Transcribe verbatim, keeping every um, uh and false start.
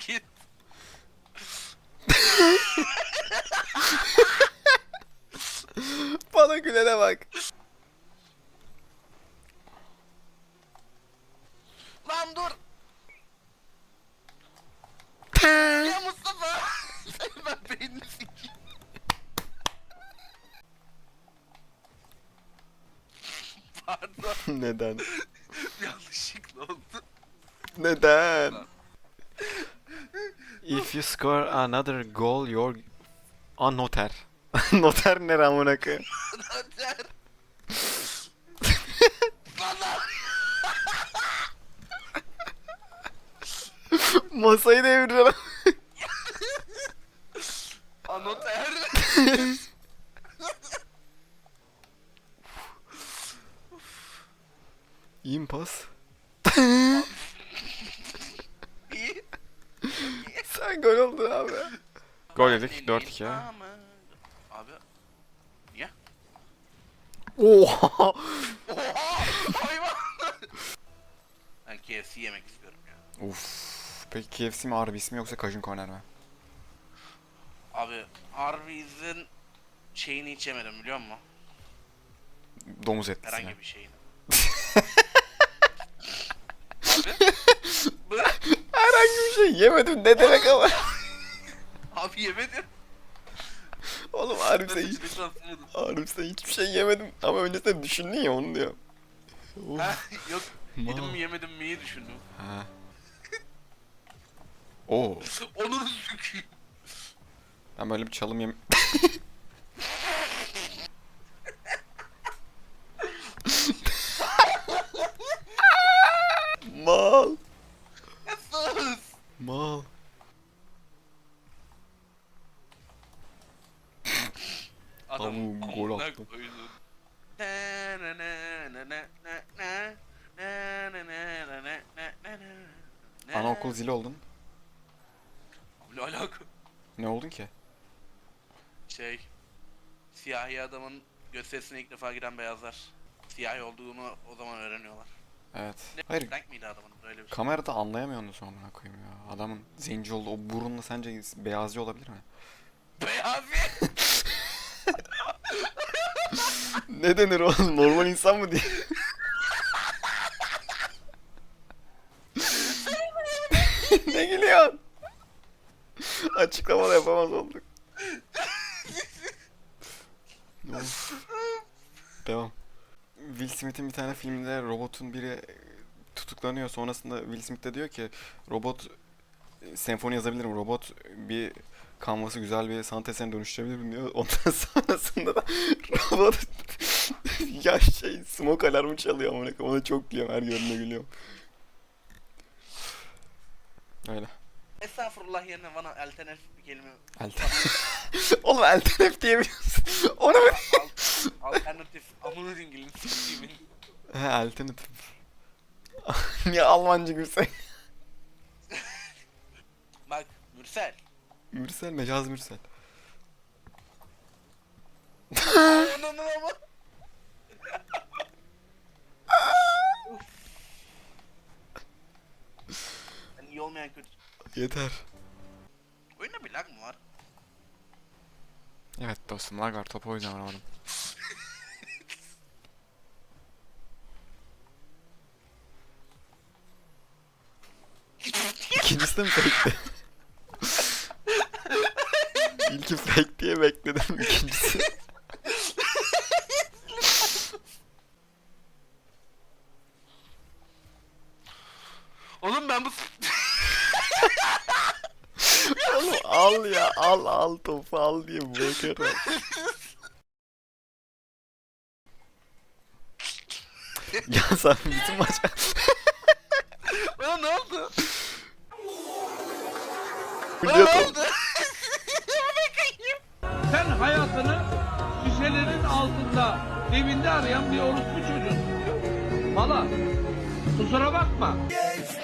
git. Bana gülene bak. Lan dur. Ya Mustafa. Ben beynini sikeyim. Pardon. Neden? Yanlışlıkla oldu. Neden? If you score another goal, you're a noter. Noter ne amına koyayım? Noter. Bana. Masayı deviriyorum. Anoter. İyi mi pas? İyi. Sen gol oldun abi. Gol yedik dört iki. Abi. Niye? Oha! Oha! Hayvan! Ben K F C yemek istiyorum ya. Uf. Peki K F C mi Arby's mi yoksa Cajun Corner mi? Abi Arby's'in şeyini hiç yemedim biliyor musun? Domuz etlisi. Herhangi bir şeyini. Abi. Bu. Herhangi bir şey yemedim ne demek ama. Abi yemedim. Oğlum Arby's'e hiç, Lütfen sınırdım. Arby's'e hiçbir şey yemedim ama öncesinde düşündün ya onu diyor. Ha, yok. Ma. Yedim mi yemedim miyi düşündüm. Ha. Oo. Onu sükeyim. Ben böyle bir çalım yem... Mal. Sus. Mal. Adam Tavuğu gol amına attı. koydum. Na na na na na na na. Na na na na na na na na. Anaokul zili oldun. Ne alaka? Ne oldun ki? Şey, siyahi adamın gösterisine ilk defa giren beyazlar siyahi olduğunu o zaman öğreniyorlar. Evet. Ne Hayır. renk miydi adamın böyle bir şey? Kamerada anlayamıyorsun sonra amına koyayım ya. Adamın zenci oldu. O burunla sence beyazcı olabilir mi? Beyaz. Ne denir oğlum? Normal insan mı diye? Ne gülüyorsun? Açıklama da yapamaz olduk. Of. Devam. Will Smith'in bir tane filmde robotun biri tutuklanıyor. Sonrasında Will Smith de diyor ki robot senfoni yazabilirim. Robot bir kanvası güzel bir sanat eserine dönüştürebilirim diyor. Ondan sonrasında da robot ya şey smoke alarmı çalıyor ama ona çok gülüyorum. Her gördüğümde gülüyorum. Öyle. Estağfurullah yerine bana alternatif bir kelime. Alternatif. Oğlum alternatif diyemiyorsun. Onu mu? Al- alternatif. Amına dingilin siktiğimin. He alternatif. Niye Almanca gülsen? Bak Mürsel. Mürsel, mecaz Mürsel. Onun ama. Yani iyi olmayan kötü. Yeter. Oyunda bir lag mı var? Evet dostum, lag var. Topu o yüzden vuramadım. İkincisi de mi fake'ti? İlki fake diye bekledim. İkincisi. Oğlum ben bu... Oğlum al ya, al al topu al diye bırakıyorum. Ya sen bütün maç... Bana ne oldu? Bana Biliyor ne musun? oldu? Sen hayatını şişelerin altında, evinde arayan bir orospu çocuğusun. Valla kusura bakma.